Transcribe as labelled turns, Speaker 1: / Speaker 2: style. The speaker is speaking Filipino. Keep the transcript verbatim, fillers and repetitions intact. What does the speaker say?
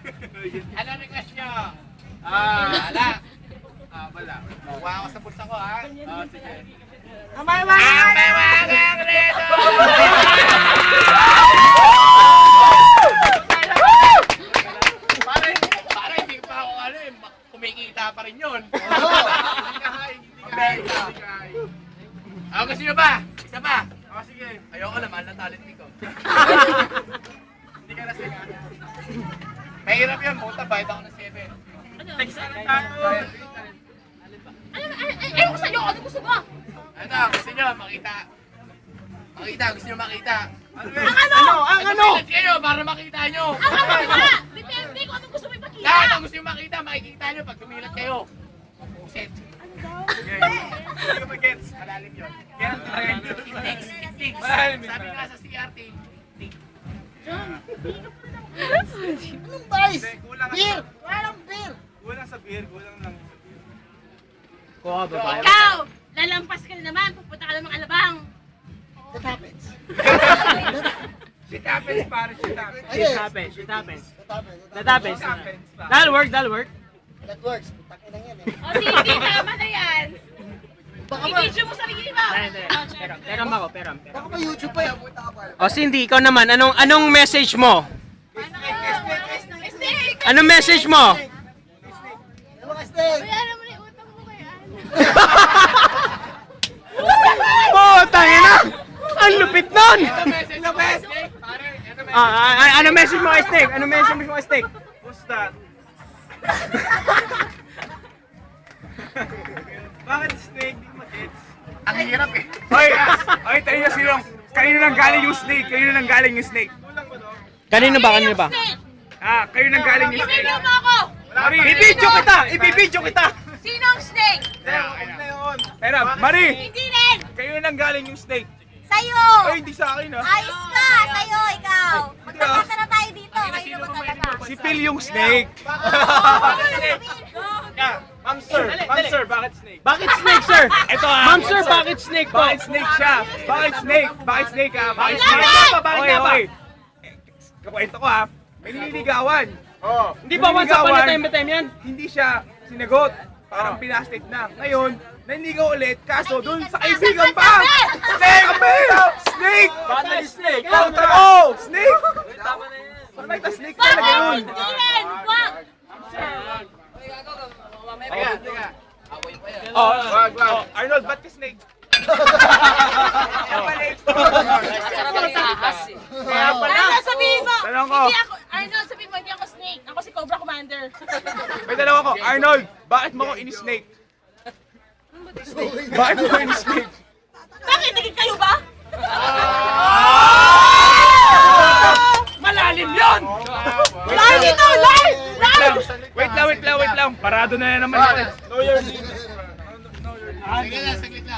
Speaker 1: Ano request nyo? Ah, wala. Ah, wala. Kuha ako sa bulsa ko, ha? Oh, sige.
Speaker 2: Ang may mga
Speaker 1: Ang reto! Pare, pare, hindi pa ako ano eh, kumikita pa rin yun. Hindi ka high, hindi ka high, hindi ka high. Ah, gusto nyo ba? Isa pa? Oh, sige. Ayoko naman, na talent ko. Hindi ka lasing, ha? Mahirap yun, puta, bayad ako ng seven. Text na tayo.
Speaker 3: Ayaw ko sa'yo! Ano gusto mo?
Speaker 1: Ano, gusto nyo makita? Makita, gusto nyo makita?
Speaker 3: Ang ano?
Speaker 2: ang ano?
Speaker 1: Tumilat kayo para makita nyo.
Speaker 3: Ang ano nga? Depende kung anong gusto mo ipakita.
Speaker 1: Lahat ang gusto nyo makita, makikita nyo pag tumilat kayo. Puset. Hindi ko mag-gets. Malalim yun. Kaya it takes, it takes. Sabi nga sa C R T, it
Speaker 2: Anong vice?
Speaker 4: Kulang
Speaker 2: Beer! Walang beer!
Speaker 4: Kulang sa beer, kulang lang.
Speaker 3: Ikaw! Lalampas ka na naman. Pupunta ka ng alabang.
Speaker 2: That happens.
Speaker 4: Shit happens, pare, shit happens.
Speaker 2: Ayun.
Speaker 5: happens, it happens.
Speaker 2: That happens.
Speaker 5: That happens.
Speaker 4: Shit happens, pare.
Speaker 5: That'll work, that'll work.
Speaker 2: That works. Takin lang yan eh.
Speaker 3: O sige, tama na yan.
Speaker 2: Baka ba,
Speaker 3: I-video mo sarili mo.
Speaker 5: Hindi, hindi. Peram, peram ako, peram, peram.
Speaker 2: baka ba YouTube pa yan?
Speaker 5: O Cindy, ikaw naman, anong anong message mo?
Speaker 3: Mistake!
Speaker 5: Anong message mo?
Speaker 2: Ano mga steak?
Speaker 3: Bayaran mo na yung utang mo kaya.
Speaker 5: Oh, tayo na! Ang lupit nun!
Speaker 1: Ito message mo, Snake. Pare, ito message.
Speaker 5: Ah, ah, ah, ano message mo kay Snake? Ano message mo kay Snake?
Speaker 4: Who's that? Bakit snake? Di mag-gets.
Speaker 1: Ang hirap eh.
Speaker 4: Hoy! Hoy, tayo na silong. Kanino nang galing yung snake? Kanino nang galing yung snake? Kulang ba no?
Speaker 5: Kanino ba, kanino ba?
Speaker 3: Snake!
Speaker 4: Ah, kayo nang galing yung snake.
Speaker 3: I-video mo ako!
Speaker 4: Mari!
Speaker 5: Ibibidyo kita! Ibibidyo kita!
Speaker 3: Sino ang snake?
Speaker 4: Huwag na yun. Pero, Mari!
Speaker 3: Hindi rin!
Speaker 4: Kayo nang galing yung snake.
Speaker 6: Sa'yo!
Speaker 4: Ay, hindi sa akin ah.
Speaker 6: Ayos ka! Sa'yo, ikaw! Magkakata na tayo dito. Kayo na magkakata.
Speaker 4: Si Phil yung snake. Yeah, Ma'am sir, Ma'am sir, bakit snake?
Speaker 5: Bakit Snake, sir?
Speaker 4: Ito ah.
Speaker 5: Ma'am sir, bakit Snake po?
Speaker 4: Bakit snake siya? Bakit snake? Bakit snake ah? Bakit
Speaker 5: Bakit
Speaker 4: snake?
Speaker 5: nga ba? Bakit
Speaker 4: Oy,
Speaker 5: nga ba?
Speaker 4: oy. Eh, Kakwento ko ah. May nililigawan. Oh.
Speaker 5: Hindi ba once upon a time ba time yan?
Speaker 4: Hindi siya sinagot. Parang pinastate na. Ngayon, nanligaw ulit. Kaso doon sa kaibigan pa. Snake! Snake!
Speaker 5: Bakit naging Snake?
Speaker 4: Oh, tao! Snake! Parang nakita snake talaga
Speaker 3: Bakit?
Speaker 4: yun.
Speaker 3: Hindi rin! Wag!
Speaker 1: Teka, teka. Apoy pa yan.
Speaker 4: Oh, wag, wag. Arnold, ba't ka snake?
Speaker 5: Kaya pala.
Speaker 3: Arnold, sabihin mo!
Speaker 4: Tanong ko.
Speaker 3: Hindi ako, Arnold, sabihin mo, hindi ako snake. Ako si Cobra Commander.
Speaker 4: May dalawa ko. Arnold, bakit mo ko ini-snake? Bakit mo ko ini-snake?
Speaker 3: Bakit? Naging kayo ba?
Speaker 5: Malalim yun!
Speaker 3: Live ito! Live! Live!
Speaker 4: Wait lang, wait lang, wait lang. Parado na na naman.
Speaker 1: Sige na, saglit lang.